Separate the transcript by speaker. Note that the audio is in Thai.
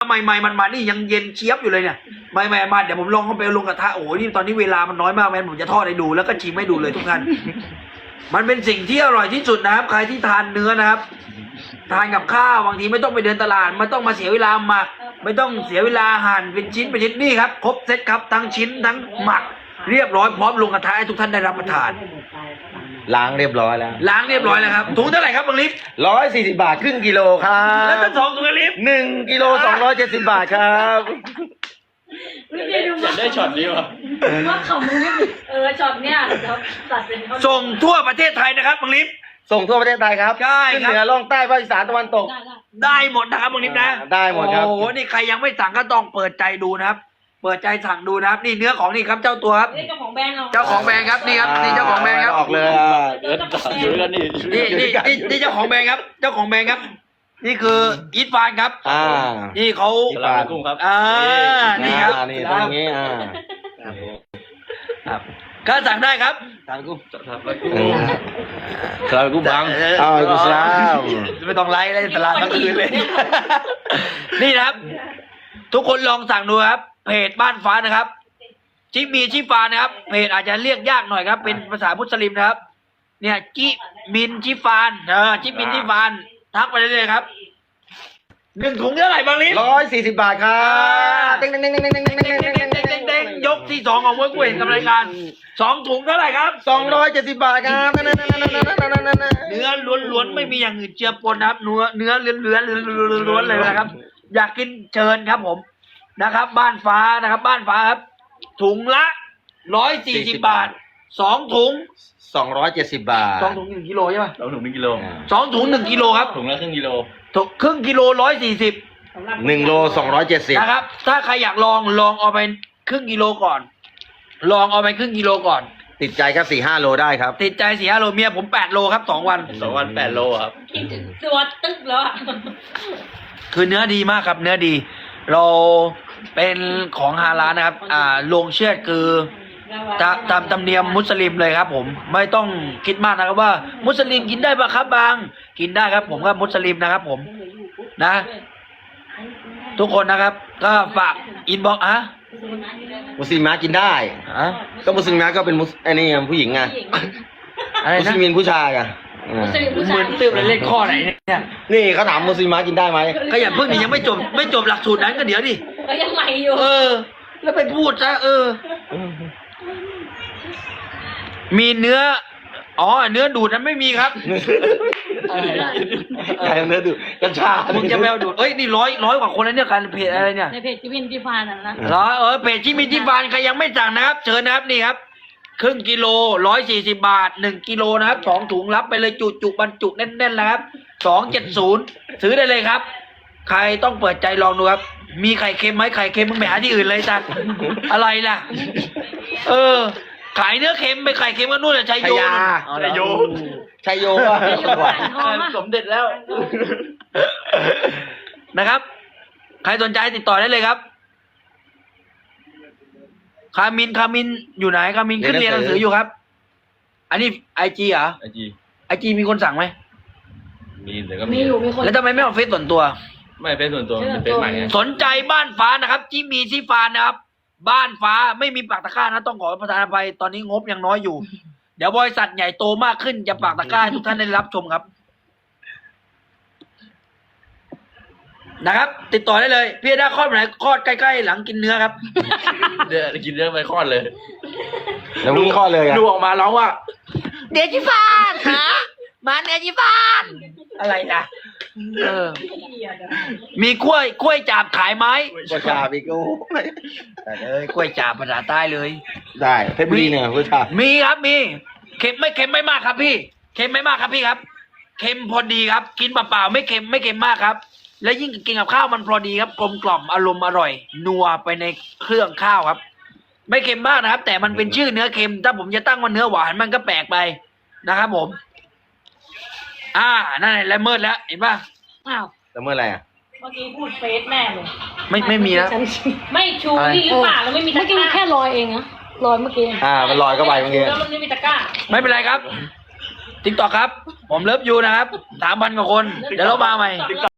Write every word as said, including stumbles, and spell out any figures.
Speaker 1: ใหม่ๆมันมานี่ยังเย็นเชียบอยู่เลยเนี่ยใหม่ๆมาเดี๋ยวผมลองเข้าไปลงกระทะโอ้โหนี่ตอนนี้เวลามันน้อยมากแม่ผมจะทอดให้ดูแล้วก็ชิมให้ดูเลยทุกท่านมันเป็นสิ่งที่อร่อยที่สุดนะครับใครที่ทานเนื้อนะครับทานกับข้าวบางทีไม่ต้องไปเดินตลาดไม่ต้องมาเสียเวลาหมักไม่ต้องเสียเวลาหั่นเป็นชิ้นเป็นชิ้นนี่ครับครบเซตครับทั้งชิ้นทั้งหมักเรียบร้อยพร้อมลงกระทะให้ทุกท่านได้รับประทาน
Speaker 2: ล้างเรียบร้อยแล้ว
Speaker 1: ล้างเรียบร้อยแล้วครับถุงเท่าไหร่ครับบางลิฟ
Speaker 2: ร้อยสี่สิบบาทครึ่งกิโลครั
Speaker 1: แล้ว
Speaker 2: บ
Speaker 1: ถ้าสองถุงลิฟ
Speaker 2: หนึ่งกิโลสองร้อยเจ็ดสิบบาทครับ
Speaker 3: อยากได้ช็อตนี้วะ
Speaker 4: ว่าเขามึงไม่เออช็อตเนี้ยเดี๋ยวตัดเป็นเขา
Speaker 1: ส่งทั่วประเทศไทยนะครับบางลิฟ
Speaker 2: ส่งทั่วประเทศไทยครับ
Speaker 1: ใช่ครับ
Speaker 2: ขึ้นเหนือล่องใต้ภาคอีสานตะวันตก
Speaker 4: ได้ได้
Speaker 1: ได้หมดนะครับบางลิฟนะ
Speaker 2: ได้หมดครับ
Speaker 1: โอ้โหนี่ใครยังไม่สั่งก็ต้องเปิดใจดูนะครับ เปิดใจสั่งดูนะครับ นี่เนื้อของนี่ครับเจ้าตัวครับ
Speaker 4: นี่เจ้าของแบรนด์เอา
Speaker 1: เจ้าของแบรนด์ครับนี่ครับนี่เจ้าของแบรนด์ครับ
Speaker 2: ออกเลยอ่ะ
Speaker 3: เดินต่ออยู่ด้วยกันนี่
Speaker 1: นี่นี่นี่นี่เจ้าของแบรนด์ครับ เจ้าของแบรนด์ครับ นี่คืออีทฟานครับ
Speaker 2: อ่า
Speaker 1: นี่เขา
Speaker 3: สลามกุ้งครับ
Speaker 1: อ่านี่ครับ
Speaker 2: อ่านี่ตรงนี้อ่า
Speaker 1: ครับก็สั่งได้ครับ
Speaker 2: ทานกุ้ง
Speaker 3: สลามกุ้งสลามกุ้งบัง
Speaker 2: อ้าวกุศลาม
Speaker 1: ไม่ต้องไลฟ์เลยตลาดทั้งคืนเลย นี่นะครับ ทุกคนลองสั่งดูครับเพจบ้านฟ้านะครับจิมีชิฟานนะครับเพจอาจจะเรียกยากหน่อยครับ เป็นภาษามุสลิมนะครับ เนี่ยจิมินชิฟานเออจิมินชิฟานทักไปเลยครับหนึ่งถุงเท่าไหร่บางลิฟ
Speaker 2: ร้อยสี่สิบบาทครับเด้งเด้งเด้งเด้งเด้งเด้งเด้ง
Speaker 1: เด้งเด้งเด้งเด้งเด้งยกที่สองของมวยกุ้ยเห็นกำรายการสองถุงเท่าไหร่ครับ
Speaker 2: สองร้อยเจ็ดสิบบาทครับนั่นนั่นนั่นนั่นนั่นนั่นนั่นนั่น
Speaker 1: เนื้อล้วนๆไม่มีอย่างอื่นเจือปนนะครับเนื้อเนื้อเลื้อนๆล้วนๆเลยนะครับ อยากกินเชิญครับผมนะครับ บ้านฟ้านะครับ บ้านฟ้าครับ ถุงละร้อยสี่สิบบาทสองถุง
Speaker 2: สองร้อยเจ็ดสิบบาท
Speaker 1: สองถุงหนึ่งกิโลใช่ไหม
Speaker 3: สองถุงหนึ่งกิโล
Speaker 1: สองถุงหนึ่งกิโลครับ
Speaker 3: ถุงละครึ่งกิโล
Speaker 1: ถุงครึ่งกิโลร้อยสี่สิบ
Speaker 2: หนึ่งโลสองร้อยเจ็ดสิบ
Speaker 1: นะครับ ถ้าใครอยากลองลองเอาไปครึ่งกิโลก่อน ลองเอาไปครึ่งกิโลก่อน
Speaker 2: ติดใจก็สี่ห้าโลได้ครับ
Speaker 1: ติดใจสี่ห้าโลเมียผมแปดโลครับสองวัน
Speaker 3: สองวันแปดโลครับ
Speaker 4: คิดถึงตัวตึ๊กแล้วอะ
Speaker 1: คือเนื้อดีมากครับ เนื้อดี เราเป็นของฮาลาลนะครับ อ่าโรงเชือดคือตามตามธรรมเนียมมุสลิมเลยครับ ผมไม่ต้องคิดมากนะครับว่า มุสลิมกินได้ปะครับบาง กินได้ครับ ผมก็มุสลิมนะครับ ผมนะ ทุกคนนะครับ ก็ฝากอินบ็อกซ์อะ
Speaker 2: มุสลิมมากินได้
Speaker 1: อะ
Speaker 2: ก็มุสลิมมาก็เป็นมุสไอ้นี่ผู้หญิงไง
Speaker 1: อะไร
Speaker 2: มุส
Speaker 1: นะ
Speaker 2: ลิมผู้ชายอ่ะอ่า
Speaker 1: เหมือนตื้มเลยเล่นข้อไหนเนี่ย
Speaker 2: นี่เขาถามมุสลิมมากินได้ไหม
Speaker 1: ก็อย่าเพิ่งนี่ยังไม่จบไม่จบหลักสูตรนั้นก็เดี๋ยวดิ
Speaker 4: ก็ยังใหม่อยู่
Speaker 1: เออ แล้วไปพูดซะเออ มีเนื้อ อ๋อ เนื้อดูดนั้นไม่มีครับ
Speaker 2: ไก่เนื้อดูกัญชา
Speaker 1: มึงจะแมวดูดเอ้ย นี่ร้อยร้อยกว่าคนแล้วเนี่ยการเพจอะไรเนี่ย
Speaker 4: ในเพจจิวินที่ฟานน่ะนะ
Speaker 1: เหรอเออเพจที่มีที่ฟานใครยังไม่สั่งนะครับ เชิญนะครับนี่ครับ ครึ่งกิโลร้อยสี่สิบบาทหนึ่งกิโลนะครับสองถุงรับไปเลยจุจุบรรจุแน่นๆแล้วครับสองเจ็ดศูนย์ซื้อได้เลยครับ ใครต้องเปิดใจลองดูครับ มีไข่เค็มไหมไข่เค็มมึงไปหาที่อื่นเลยจ้ะอะไรล่ะ เออ ขายเนื้อเค็มไปไข่เค็มก็นู่นแหละชัย
Speaker 2: ชั
Speaker 1: โย
Speaker 2: ยยา
Speaker 1: อ๋อเหรอ
Speaker 3: ชัยโย
Speaker 2: ชัยโยก็จังหวัด
Speaker 3: สมเด็จแล้ว
Speaker 1: นะครับ ใครสนใจติดต่อได้เลยครับ คามินคามินอยู่ไหนคามินขึ้นเรียนหนังสืออยู่ครับ อันนี้ไอจีเหรอ
Speaker 3: ไอจี
Speaker 1: ไอจีมีคนสั่งไหม
Speaker 3: มีแต่ก็
Speaker 4: มีอยู่มีคน
Speaker 1: แล้วทำไมไม่เอาเฟซส่วนตัว
Speaker 3: ไม่เป็นส่วนตัวมันเป็นใหม่ไง
Speaker 1: สนใจบ้านฟ้านะครับจิมีซีฟานนะครับ บ้านฟ้าไม่มีปากตะกร้านะต้องขอประทานอภัยตอนนี้งบยังน้อยอยู่ เดี๋ยวบริษัทใหญ่โตมากขึ้นจะปากตะกร้าให้ทุกท่านได้รับชมครับนะครับ ติดต่อได้เลยพี่ได้คลอดเมื่อไหร่คลอดใกล้ๆหลังกินเนื้อครับ
Speaker 3: เดี๋ยวกินเรื่องไปคลอดเลย
Speaker 2: แล้วมึงข้อเลยอ่ะ
Speaker 1: ดูออกมาร้องว่าเดจิฟานฮะมาเดจิฟานอะไรนะเออ มีกล้วยกล้วยจาบขายไหม
Speaker 2: กัญชาพี่กู
Speaker 1: แต่เอ้ยกล้วยจาบภาษาใต้เลย
Speaker 2: ได้เพชรบุรีเนี่ยกัญชา
Speaker 1: มีครับมีเค็มไม่เค็มไม่มากครับพี่เค็มไม่มากครับพี่ครับเค็มพอดีครับ กินเปล่าๆไม่เค็มไม่เค็มมากครับ และยิ่งกินกับข้าวมันพอดีครับกลมกล่อมอารมณ์อร่อย นัวไปในเครื่องข้าวครับ ไม่เค็มมากนะครับ แต่มันเป็นชื่อเนื้อเค็ม ถ้าผมจะตั้งว่าเนื้อหวานมันก็แปลกไปนะครับผม อ่านั่นแหละละเมิดแล้วเห็นป่ะ
Speaker 4: อ้าว
Speaker 2: แล้วเมื่อไหร่อ่ะ
Speaker 4: เมื่อกี้พูดเฟซแม่เลย
Speaker 1: ไม่ไม่มีนะ
Speaker 4: ไม่ชูนี่หรือเปล่าแล้วไม่มีตะ
Speaker 5: เมื่อก กี้
Speaker 4: ร้า
Speaker 5: แค่ลอยเองนะลอยเมื่อกี้
Speaker 2: อ่ามันลอยเข้าไปเมื่อกี้
Speaker 4: แล้วมันไม่มีตะกร้า
Speaker 1: ไม่เป็นไรครับติ๊กต็อกครับ ผมเลิฟยูนะครับสามพันกว่าคน เดี๋ยวเรามาใหม่